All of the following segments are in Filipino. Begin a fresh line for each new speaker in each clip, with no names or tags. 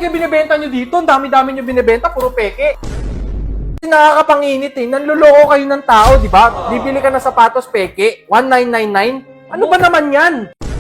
peke binibenta nyo dito? Ang dami-dami nyo binibenta, puro peke. Nakakapanginit eh. Nanluloko kayo ng tao, di ba? Bibili ka ng sapatos peke, 1999. Ano ba naman yan?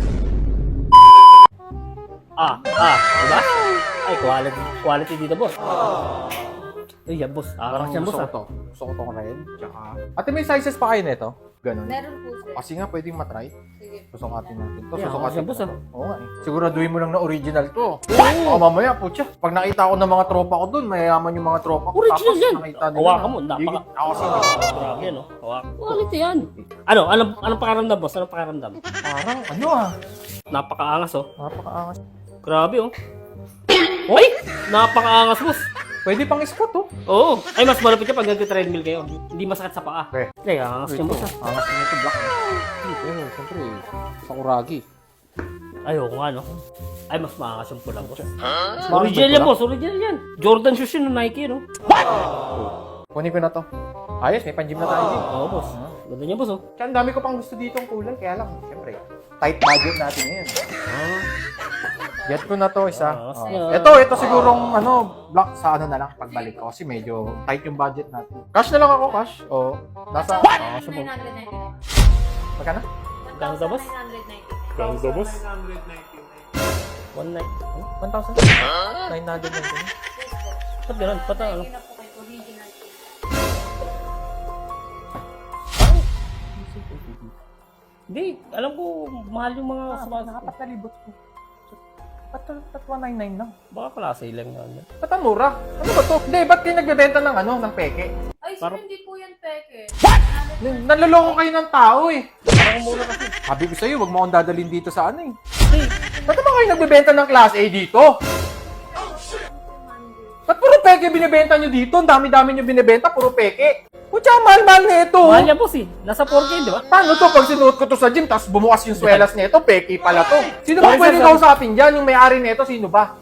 Diba? Ay, quality dito, boss. Ay, yan, boss. Parang yan, boss,
Gusto ko to red. Tsaka... Ate, may sizes pa kayo nito? Ganun.
Meron po, sir.
Kasi nga, pwedeng matry.
Sige.
Susukatin natin to.
Yeah,
Susukatin
boss,
to. Oo nga eh. Siguraduhin mo lang na original to. Oo, mamaya, putya. Pag nakita ko ng mga tropa ko dun, mayayaman yung mga tropa ko.
Original
Tapos,
yan.
nakita nila
Hawakan
na-
mo, napaka...
Ako kasi,
Grabe, no? Hawakan. Quality yan. Anong pakaramdam, boss? Anong pakaramdam?
parang, ano ah.
Napakaangas, oh.
Napakaangas.
Grabe, oh. Uy! Napakaangas, boss.
Pwede pang squat to.
Oo. Ay, mas malapit siya pag nag-treadmill kayo. Hindi masakit sa paa.
Okay.
Ay, angas yung boss, ah.
Angas niya ito, black. Pero, siyempre, sakuragi.
Ayoko nga, no? Ay, mas maangas yung pula, boss.
Mas
Original
pula?
yan, boss. Original yan. Jordan shoes yun ng Nike, no?
Kunin ko na to. Ayos, may pan-gym na tayo din.
Oo, boss. Ganda niya, boss, oh.
Kaya ang dami ko pang gusto dito ang kulay, kaya lang, siyempre, tight budget natin ngayon. Get ko na to isa. Ito sigurong black sa ano na lang pagbalik ko kasi medyo tight yung budget natin. Cash na lang ako, cash. O, nasa
1,999.
magkano?
Ganda, boss?
1,999.
Ganda, boss. 1 night.
1,000? 999.
Ba't ganun? Ba't ano?
Lagyan na po kayo, original.
Hindi, alam ko, mahal yung mga sapatos.
Nakapatalibot ko. Ba't 199 lang?
Baka pala sa ilang yan.
Ba't ang mura? Ano ba to? Hindi, ba't kayo nagbebenta ng ng peke?
Ay, sir, hindi po yan peke.
Nanloloko kayo ng tao eh. Parang mura kasi. Sabi ko sa'yo, wag mo akong dadalhin dito sa ano eh. Ba't naman kayo nagbebenta ng class A dito? Ba't puro peke binibenta nyo dito? Ang dami-dami nyo binibenta, puro peke. Kutsa, mahal-mahal na ito.
Mahal yan, boss, eh. Nasa 4K, di ba?
Paano to pag sinuot ko to sa gym tapos bumukas yung swelas nito, peke pala to. Sino ba
Sorry,
pwedeng
sir,
kausapin dyan? Yung may-ari nito, sino ba?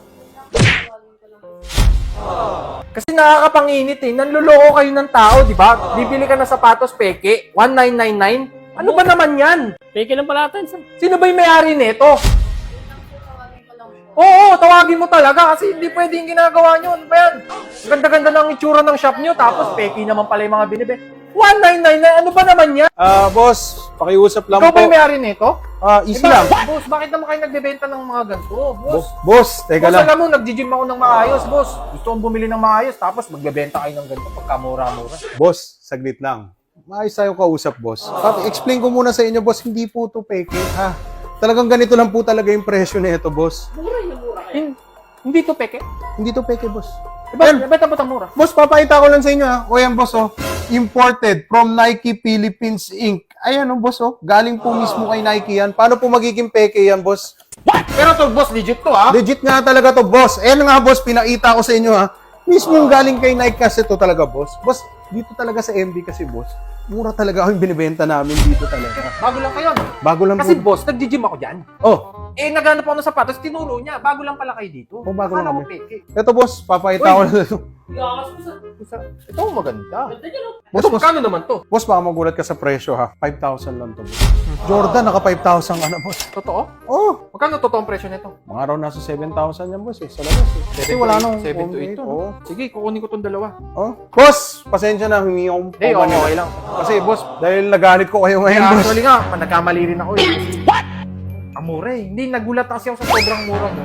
Kasi nakakapanginit eh. Nanluloko kayo ng tao, di ba? Bibili ka ng sapatos peke, 1999. Ano ba naman yan?
Peke lang pala natin, sir.
Sino ba yung may-ari nito?
Tawagin ko lang po.
Oo, tawagin mo talaga kasi hindi pwede yung ginagawa nyo. Ano ba yan? Ganda-ganda ng itsura ng shop nyo tapos peke naman pala yung mga binibenta. 1999, ano ba naman yan?
Boss, pakiusap lang
Ikaw
po.
ba yung may-ari nito?
Easy lang.
Boss, bakit naman kayo nagbebenta ng mga ganito? Boss,
Boss, teka
boss,
lang.
alam mo, nag-gym ako ng maayos, boss. Gusto kong bumili ng maayos, tapos magbebenta kayo ng ganito pagkamura-mura.
Boss, saglit lang. Maayos tayo kausap, boss. Explain ko muna sa inyo, boss, hindi po to peke, ha? Talagang ganito lang po talaga yung presyo nito, boss.
Hindi to peke?
Hindi to peke, boss.
Beta ba mura?
Boss, papakita ko lang sa inyo, ha? O yan, boss, oh. Imported from Nike Philippines Inc. Ayan, oh, boss, oh. Galing po mismo kay Nike yan. Paano po magiging peke yan, boss?
Pero to, boss, legit to, ha?
Legit nga talaga to, boss. Ayan nga, boss, pinakita ko sa inyo, ha? Mismo yung galing kay Nike kasi to talaga, boss. Boss, dito talaga sa MB kasi, boss. Mura talaga yung binibenta namin dito talaga.
Bago lang kayo, no?
Bago lang
Kasi,
po.
boss, nag-gym ako dyan.
Oh,
Naghanap ako ng sapatos, tinuro niya. Bago lang pala kayo dito.
Oh, bago lang
Akala ko
kami.
peke.
ito, boss, papakita ko na ito.
Iangas mo, sir.
Ito, maganda.
Ganda niya, no?
Boss,
Ito,
boss,
magkano naman to?
boss, baka magulat ka sa presyo, ha? 5,000 lang to, boss. Jordan, naka 5,000 ka na, boss.
Totoo?
Oh,
Magkano totoong presyo nito?
mga raw nasa 7,000 yan, boss, eh, sa labas, eh. Kasi wala nang
7 to 8 to.
Oh.
Sige, kukunin ko tong dalawa.
Oh. Boss, pasensya na, humingi akong
Hindi, okay lang.
Kasi, boss, dahil nagalit ko kayo ngayon, boss.
Actually nga, nagkamali rin ako eh. Ang mura eh. Hindi, nagulat kasi ako sa sobrang mura mo.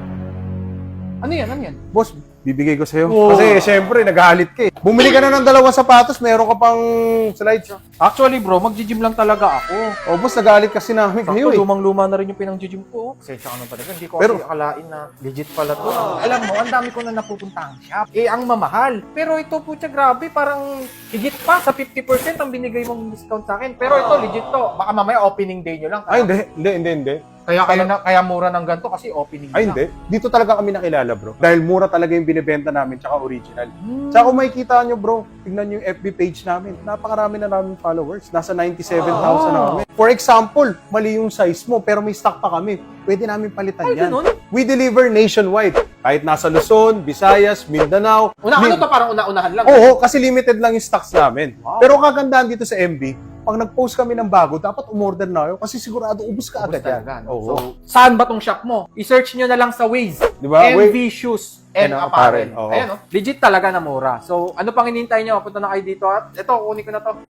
Ano yan? Ano yan?
Boss, bibigay ko sa'yo.
Oh.
Kasi, syempre, nagalit ka eh. Bumili ka na ng dalawang sapatos, meron ka pang slides.
Actually bro, mag-gym lang talaga ako.
Oh, boss, nagalit kasi namin kayo
Sakto,
eh.
lumang-luma na rin yung pinang-gym ko. Pasensya ka na talaga. Hindi ko
Pero-
kasi akalain na legit pala to. Alam mo, ang dami ko na napupuntahang shop. Ang mamahal. Pero ito po siya, grabe. Parang higit pa sa 50% ang binigay mong discount sa akin. Pero ito, legit to. Baka mamaya opening day nyo lang.
Ay, hindi.
Kaya mura ng ganito kasi opening day
Ay,
lang.
hindi. Dito talaga kami nakilala, bro. Dahil mura talaga yung binibenta namin, tsaka original. Tsaka kung makikita nyo, bro, tignan nyo yung FB page namin. Napakarami na namin followers. Nasa 97,000 na kami. For example, mali yung size mo, pero may stock pa kami. Pwede namin palitan
Ay,
yan.
ganun?
We deliver nationwide. Kahit nasa Luzon, Visayas, Mindanao.
Ano to? Parang una-unahan lang.
Oo, kasi limited lang yung stocks namin.
Wow.
Pero kagandahan dito sa MB, pag nag-post kami ng bago, dapat umorder na kayo kasi sigurado ubus ka
Ubus
agad yan.
talaga, no?
Oo.
So, saan ba tong shop mo? I-search nyo na lang sa Waze.
Di ba?
MV Shoes and
and
Apparel.
Apparel, oo.
Ayan, no? Legit talaga na mura. So, ano pang hinihintay nyo? Punta na kayo dito at ito, kunin ko na to.